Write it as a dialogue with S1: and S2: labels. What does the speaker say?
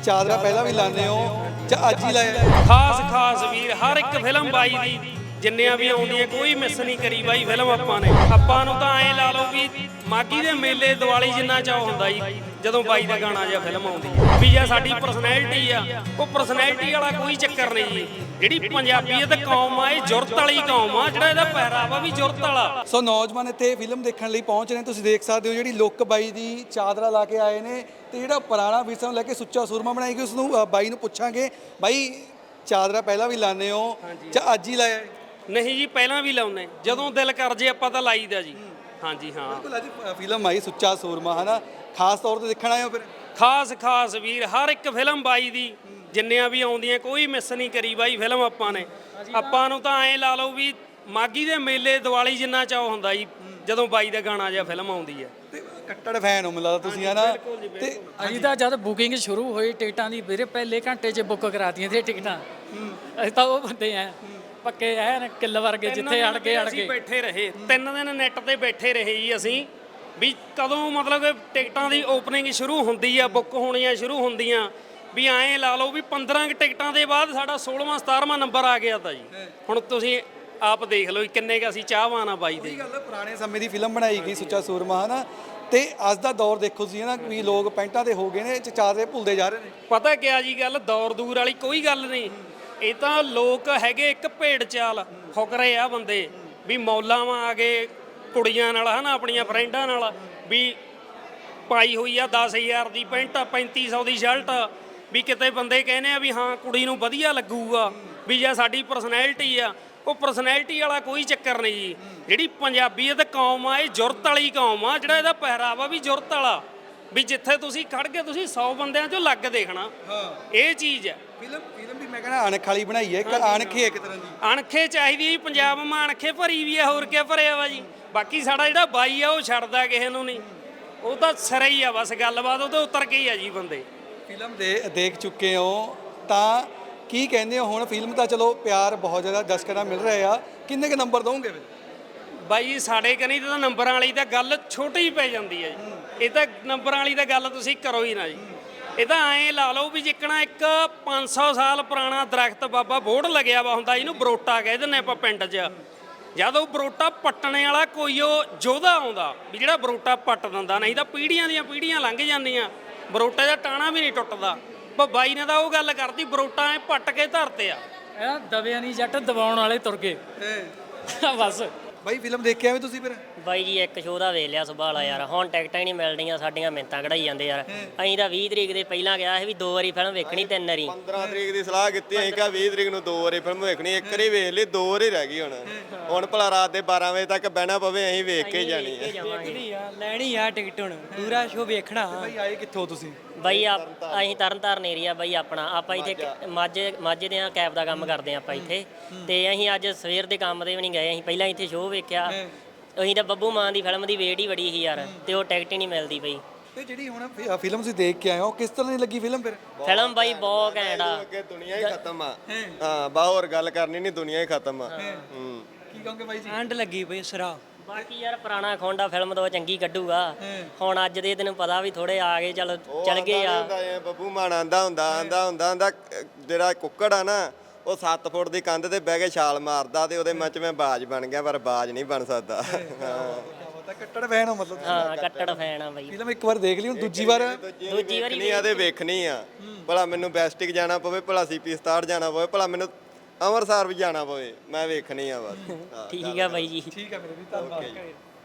S1: ਚਾਦਰਾ ਪਹਿਲਾਂ ਵੀ ਲਾਉਂਦੇ ਹੋ ਜਾਂ ਅੱਜ ਹੀ ਲਾਇਆ?
S2: ਖਾਸ ਵੀਰ ਹਰ ਇੱਕ ਫਿਲਮ ਬਾਈ ਦੀ ਜਿੰਨੀਆਂ ਵੀ ਆਉਂਦੀਆਂ ਕੋਈ ਮਿਸ ਨਹੀਂ ਕਰੀ ਬਾਈ ਫਿਲਮ ਆਪਾਂ ਨੇ। ਆਪਾਂ ਨੂੰ ਤਾਂ ਐਂ ਲਾ ਲਓ ਵੀ ਮਾਗੀ ਦੇ ਮੇਲੇ ਦੀਵਾਲੀ ਜਿੰਨਾ ਚਾਅ ਹੁੰਦਾ ਜੀ ਜਦੋਂ ਬਾਈ ਦਾ ਗਾਣਾ ਜਾਂ ਫਿਲਮ ਆਉਂਦੀ ਹੈ ਵੀ ਜਾਂ ਸਾਡੀ ਪਰਸਨੈਲਿਟੀ ਆ ਉਹ ਪਰਸਨੈਲਿਟੀ ਵਾਲਾ ਕੋਈ ਚੱਕਰ ਨਹੀਂ ਜੀ। ਜਿਹੜੀ ਪੰਜਾਬੀਅਤ ਕੌਮ ਆ ਇਹ ਜੁਰਤ ਵਾਲੀ ਕੌਮ ਆ, ਜਿਹੜਾ ਇਹਦਾ ਪਹਿਰਾਵਾ ਵੀ ਜੁਰਤ ਵਾਲਾ।
S1: ਸੋ ਨੌਜਵਾਨ ਇੱਥੇ ਫਿਲਮ ਦੇਖਣ ਲਈ ਪਹੁੰਚ ਰਹੇ, ਤੁਸੀਂ ਦੇਖ ਸਕਦੇ ਹੋ ਜਿਹੜੀ ਲੁੱਕ ਬਾਈ ਦੀ ਚਾਦਰਾ ਲਾ ਕੇ ਆਏ ਨੇ ਤੇ ਜਿਹੜਾ ਪੁਰਾਣਾ ਵਿਰਸਾ ਨੂੰ ਲੈ ਕੇ ਸੁੱਚਾ ਸੂਰਮਾ ਬਣਾਈ ਗਈ ਉਸ ਨੂੰ ਬਾਈ ਨੂੰ ਪੁੱਛਾਂਗੇ। ਬਾਈ ਚਾਦਰਾ ਪਹਿਲਾਂ ਵੀ ਲਾਉਂਦੇ ਹੋ ਜਾਂ ਅੱਜ ਹੀ ਲਾਇਆ?
S2: ਨਹੀਂ ਜੀ ਪਹਿਲਾਂ ਵੀ ਲਾਉਂਦੇ, ਜਦੋਂ ਦਿਲ ਕਰ ਜੇ ਆਪਾਂ ਤਾਂ ਲਾਈਦਾ ਜੀ। ਹਾਂਜੀ ਹਾਂ
S1: ਬਿਲਕੁਲ। ਅੱਜ ਫਿਲਮ ਆਈ ਸੁੱਚਾ ਸੂਰਮਾ ਹਨਾ, ਖਾਸ ਤੌਰ ਤੇ ਦੇਖਣ ਆਏ ਹੋ ਫਿਰ?
S2: ਖਾਸ ਵੀਰ ਹਰ ਇੱਕ ਫਿਲਮ ਬਾਈ ਦੀ ਜਿੰਨੀਆਂ ਵੀ ਆਉਂਦੀਆਂ ਕੋਈ ਮਿਸ ਨਹੀਂ ਕਰੀ ਬਾਈ ਫਿਲਮ ਆਪਾਂ ਨੇ। ਆਪਾਂ ਨੂੰ ਤਾਂ ਐਂ ਲਾ ਲਓ ਵੀ ਮਾਗੀ ਦੇ ਮੇਲੇ ਦੀਵਾਲੀ ਜਿੰਨਾ ਚਾਅ ਹੁੰਦਾ ਜੀ ਜਦੋਂ ਬਾਈ ਦਾ ਗਾਣਾ ਜਾਂ ਫਿਲਮ ਆਉਂਦੀ ਹੈ।
S1: ਤੇ ਕੱਟੜ ਫੈਨ ਹੋ ਮੈਨੂੰ ਲੱਗਦਾ ਤੁਸੀਂ ਹਨਾ। ਤੇ
S3: ਅਸੀਂ ਤਾਂ ਜਦ ਬੁਕਿੰਗ ਸ਼ੁਰੂ ਹੋਈ ਟਿਕਟਾਂ ਦੀ ਵੀਰੇ ਪਹਿਲੇ ਘੰਟੇ 'ਚ ਬੁੱਕ ਕਰਾਤੀਆਂ ਸੀ ਟਿਕਟਾਂ। ਅਸੀਂ ਤਾਂ ਉਹ ਬੰਦੇ ਆ ਪੱਕੇ ਐ ਕਿੱਲ ਵਰਗੇ ਜਿੱਥੇ ਅੜ ਕੇ
S2: ਅਸੀਂ ਬੈਠੇ ਰਹੇ 3 ਦਿਨ ਨੈੱਟ ਤੇ ਬੈਠੇ ਰਹੇ ਜੀ ਅਸੀਂ ਵੀ ਕਦੋਂ ਮਤਲਬ ਕਿ ਟਿਕਟਾਂ ਦੀ ਓਪਨਿੰਗ ਸ਼ੁਰੂ ਹੁੰਦੀ ਆ, ਬੁੱਕ ਹੋਣੀਆਂ ਸ਼ੁਰੂ ਹੁੰਦੀਆਂ ਵੀ ਐਂ ਲਾ ਲਓ ਵੀ 15 ਟਿਕਟਾਂ ਦੇ ਬਾਅਦ ਸਾਡਾ 16ਵਾਂ 17ਵਾਂ ਨੰਬਰ ਆ ਗਿਆ ਤਾਂ ਜੀ। ਹੁਣ ਤੁਸੀਂ ਆਪ ਦੇਖ ਲਓ ਕਿੰਨੇ ਕ ਅਸੀਂ ਚਾਹਵਾਨ ਆ ਬਾਈ ਦੇ।
S1: ਗੱਲ ਪੁਰਾਣੇ ਸਮੇਂ ਦੀ ਫਿਲਮ ਬਣਾਈ ਗਈ ਸੁੱਚਾ ਸੂਰਮਾ ਹਨਾ, ਤੇ ਅੱਜ ਦਾ ਦੌਰ ਦੇਖੋ ਤੁਸੀਂ ਨਾ ਵੀ ਲੋਕ ਪੈਂਟਾਂ ਤੇ ਹੋ ਗਏ ਨੇ, ਚਾਦਰੇ ਭੁੱਲਦੇ ਜਾ ਰਹੇ ਨੇ।
S2: ਪਤਾ ਕਿਆ ਜੀ ਗੱਲ, ਦੌਰ ਦੂਰ ਵਾਲੀ ਕੋਈ ਗੱਲ ਨਹੀਂ। ਇਹ ਤਾਂ ਲੋਕ ਹੈਗੇ ਇੱਕ ਭੇਡ ਚਾਲ ਫੁਕਰੇ ਆ ਬੰਦੇ ਵੀ ਮੌਲਾਵਾਂ ਆ ਗਏ ਕੁੜੀਆਂ ਨਾਲ ਹਨਾ, ਆਪਣੀਆਂ ਫਰੈਂਡਾਂ ਨਾਲ ਵੀ ਪਾਈ ਹੋਈ ਆ 10,000 ਦੀ ਪੈਂਟ 3500 ਦੀ ਸ਼ਰਟ ਵੀ ਕਿਤੇ ਬੰਦੇ ਕਹਿੰਦੇ ਆ ਵੀ ਹਾਂ ਕੁੜੀ ਨੂੰ ਵਧੀਆ ਲੱਗੂਗਾ ਵੀ ਜਾਂ ਸਾਡੀ ਪਰਸਨੈਲਿਟੀ ਆ ਉਹ ਪਰਸਨੈਲਿਟੀ ਵਾਲਾ ਕੋਈ ਚੱਕਰ ਨਹੀਂ ਜੀ। ਜਿਹੜੀ ਪੰਜਾਬੀਅਤ ਕੌਮ ਆ ਇਹ ਜੁਰਤ ਵਾਲੀ ਕੌਮ ਆ, ਜਿਹੜਾ ਇਹਦਾ ਪਹਿਰਾਵਾ ਵੀ ਜੁਰਤ ਵਾਲਾ ਵੀ ਜਿੱਥੇ ਤੁਸੀਂ ਖੜ ਕੇ ਤੁਸੀਂ 100 ਬੰਦਿਆਂ ਚੋਂ ਲੱਗ ਦੇਖਣਾ ਇਹ ਚੀਜ਼ ਹੈ।
S1: ਫਿਲਮ ਵੀ ਮੈਂ ਕਹਿੰਦਾ ਅਣਖ ਵਾਲੀ ਬਣਾਈ ਹੈ, ਇੱਕ ਅਣਖੇ ਇੱਕ ਤਰ੍ਹਾਂ ਦੀ
S2: ਅਣਖੇ ਚਾਹੀਦੀ ਪੰਜਾਬ ਮਾਂ ਅਣਖੇ ਭਰੀ ਵੀ ਆ, ਹੋਰ ਕੀ ਭਰਿਆ ਵਾ ਜੀ। ਬਾਕੀ ਸਾਡਾ ਜਿਹੜਾ ਬਾਈ ਆ ਉਹ ਛੱਡਦਾ ਕਿਸੇ ਨੂੰ ਨਹੀਂ, ਉਹ ਤਾਂ ਸਿਰੇ ਹੀ ਆ ਬਸ ਗੱਲਬਾਤ ਉਹ ਤਾਂ ਉਤਰ ਕੇ ਹੀ ਆ ਜੀ ਬੰਦੇ।
S1: ਫਿਲਮ ਦੇਖ ਚੁੱਕੇ ਹੋ ਤਾਂ ਕੀ ਕਹਿੰਦੇ ਹੋ ਹੁਣ? ਫਿਲਮ ਤਾਂ ਚਲੋ ਪਿਆਰ ਬਹੁਤ ਜ਼ਿਆਦਾ ਦਰਸ਼ਕਾਂ ਦਾ ਮਿਲ ਰਿਹਾ ਆ, ਕਿੰਨੇ ਕੁ ਨੰਬਰ ਦੋਗੇ ਫਿਰ?
S2: ਬਾਈ ਸਾਡੇ ਕਨੀ ਤਾਂ ਨੰਬਰਾਂ ਵਾਲੀ ਤਾਂ ਗੱਲ ਛੋਟੀ ਹੀ ਪੈ ਜਾਂਦੀ ਹੈ ਜੀ। ਇਹ ਤਾਂ ਨੰਬਰਾਂ ਵਾਲੀ ਤਾਂ ਗੱਲ ਤੁਸੀਂ ਕਰੋ ਹੀ ਨਾ ਜੀ। ਇਹ ਤਾਂ ਐਂ ਲਾ ਲਓ ਵੀ ਜਿੱਕਣਾ ਇੱਕ 500 ਸਾਲ ਪੁਰਾਣਾ ਦਰਖਤ ਬਾਬਾ ਬੋੜ ਲੱਗਿਆ ਵਾ ਹੁੰਦਾ, ਇਹਨੂੰ ਬਰੋਟਾ ਕਹਿ ਦਿੰਦੇ ਆਪਾਂ ਪਿੰਡ 'ਚ। ਜਦ ਉਹ ਬਰੋਟਾ ਪੱਟਣੇ ਵਾਲਾ ਕੋਈ ਉਹ ਯੋਧਾ ਆਉਂਦਾ ਵੀ ਜਿਹੜਾ ਬਰੋਟਾ ਪੱਟ ਦਿੰਦਾ, ਨਹੀਂ ਤਾਂ ਪੀੜ੍ਹੀਆਂ ਦੀਆਂ ਪੀੜ੍ਹੀਆਂ ਲੰਘ ਜਾਂਦੀਆਂ, ਬਰੋਟੇ ਦਾ ਟਾਣਾ ਵੀ ਨਹੀਂ ਟੁੱਟਦਾ। ਪਰ ਬਾਈ ਨੇ ਤਾਂ ਉਹ ਗੱਲ ਕਰਤੀ ਬਰੋਟਾ ਐ ਪੱਟ ਕੇ ਧਰਤੇ ਆ।
S3: ਇਹ ਦਬਿਆ ਨਹੀਂ ਜੱਟ ਦਬਾਉਣ ਵਾਲੇ ਤੁਰ ਗਏ ਬਸ।
S1: ਬਾਈ ਫਿਲਮ ਦੇਖਿਆ ਵੀ ਤੁਸੀਂ ਫਿਰ?
S4: ਬਾਈ ਜੀ ਇੱਕ ਸ਼ੋਅ ਦਾ ਵੇਖ ਲਿਆ ਸੁਭਾਲਾ ਯਾਰ, ਹੁਣ ਟਿਕਟਾਂ ਹੀ ਨਹੀਂ ਮਿਲਦੀਆਂ, ਸਾਡੀਆਂ ਮਿੰਤਾਂ ਕਢਾਈ ਜਾਂਦੇ ਯਾਰ। ਅਸੀਂ ਤਾਂ 20 ਤਰੀਕ ਦੇ ਪਹਿਲਾਂ ਗਿਆ ਸੀ ਵੀ 2 ਵਾਰੀ ਫਿਲਮ ਵੇਖਣੀ, 3 ਵਾਰੀ
S5: 15 ਤਰੀਕ ਦੀ ਸਲਾਹ ਕੀਤੀ, ਅਸੀਂ ਕਿਹਾ 20 ਤਰੀਕ ਨੂੰ 2 ਵਾਰੀ ਫਿਲਮ ਵੇਖਣੀ, ਇੱਕ ਵਾਰੀ ਵੇਖ ਲਈ, 2 ਵਾਰੀ ਰਹਿ ਗਈ। ਹੁਣ ਭਲਾ ਰਾਤ ਦੇ 12 ਵਜੇ ਤੱਕ ਬਹਿਣਾ ਪਵੇ, ਅਸੀਂ ਵੇਖ ਕੇ ਜਾਣੀ ਹੈ।
S6: ਲੈਣੀ ਆ ਟਿਕਟ, ਹੁਣ ਪੂਰਾ ਸ਼ੋਅ ਵੇਖਣਾ।
S1: ਬਾਈ ਆਏ ਕਿੱਥੋਂ ਤੁਸੀਂ?
S4: ਬਾਈ ਅਸੀਂ ਤਰਨਤਾਰਨ ਏਰੀਆ ਬਾਈ ਆਪਣਾ, ਆਪਾਂ ਇੱਥੇ ਮਾਝੇ ਦੇ ਕੈਬ ਦਾ ਕੰਮ ਕਰਦੇ ਆਪਾਂ ਇੱਥੇ। ਤੇ ਅਸੀਂ ਅੱਜ ਸਵੇਰ ਦੇ ਕੰਮ ਦੇ ਵੀ ਨਹੀਂ ਗਏ, ਅਸੀਂ ਪਹਿਲਾਂ ਇੱਥੇ ਸ਼ੋਅ ਵੇਖਿਆ। ਅਸੀਂ ਤਾਂ ਬੱਬੂ ਮਾਨ ਦੀ ਫਿਲਮ ਦੀ ਵੇਟ ਹੀ ਬੜੀ ਸੀ ਯਾਰ, ਤੇ ਉਹ ਟਿਕਟ ਹੀ ਨਹੀਂ ਮਿਲਦੀ ਪਈ।
S1: ਤੇ ਜਿਹੜੀ ਹੁਣ ਫਿਲਮ ਤੁਸੀਂ ਦੇਖ ਕੇ ਆਏ ਹੋ ਕਿਸ ਤਰ੍ਹਾਂ ਦੀ ਲੱਗੀ ਫਿਲਮ ਫਿਰ?
S4: ਫਿਲਮ ਬਾਈ ਬਹੁਤ ਘੈਂਟ ਆ।
S5: ਅੱਗੇ ਦੁਨੀਆ ਹੀ ਖਤਮ ਆ। ਹਾਂ ਬਾ ਹੋਰ ਗੱਲ ਕਰਨੀ ਨਹੀਂ, ਦੁਨੀਆ ਹੀ ਖਤਮ ਆ।
S1: ਕੀ ਕਹੋਗੇ ਬਾਈ ਜੀ?
S6: ਐਂਡ ਲੱਗੀ ਪਈ ਸਰਾ।
S4: ਬਾਕੀ ਯਾਰ ਪੁਰਾਣਾ ਖੋਂਡਾ ਫਿਲਮ ਤੋਂ ਚੰਗੀ ਕੱਢੂਗਾ। ਹੁਣ ਅੱਜ ਦੇ ਤੈਨੂੰ ਪਤਾ ਵੀ ਥੋੜੇ ਆ ਗਏ, ਚਲ ਗਏ ਆ।
S5: ਬੱਬੂ ਮਾਨ ਆਂਦਾ ਹੁੰਦਾ ਜਿਹੜਾ ਕੁੱਕੜ ਆ ਨਾ, ਉਹ 7 ਫੁੱਟ ਦੀ ਕੰਧ ਤੇ ਬਹਿ ਕੇ ਛਾਲ ਮਾਰਦਾ ਤੇ ਉਹਦੇ ਮੱਚ ਮੈਂ ਬਾਜ ਬਣ ਗਿਆ, ਪਰ ਬਾਜ ਨਹੀਂ ਬਣ ਸਕਦਾ।
S1: ਕੱਟੜ ਫੈਨ ਹੋ ਮਤਲਬ?
S4: ਹਾਂ ਕੱਟੜ ਫੈਨ ਆ ਬਾਈ।
S1: ਫਿਲਮ ਇੱਕ ਵਾਰ ਦੇਖ ਲਈ, ਹੁਣ ਦੂਜੀ ਵਾਰ
S4: ਵਾਰੀ
S5: ਆ ਤੇ ਵੇਖਣੀ ਆ। ਭਲਾ ਮੈਨੂੰ ਬੈਸਟਿਕ ਜਾਣਾ ਪਵੇ, ਭਲਾ CP 67 ਜਾਣਾ ਪਵੇ, ਭਲਾ ਮੈਨੂੰ ਅੰਮ੍ਰਿਤਸਰ ਵੀ ਜਾਣਾ ਪਵੇ, ਮੈਂ ਵੇਖਣੀ ਆ ਬਸ।
S4: ਠੀਕ ਆ ਬਾਈ ਜੀ।
S1: ਠੀਕ ਆ ਮੇਰੇ ਵੀ, ਧੰਨਵਾਦ।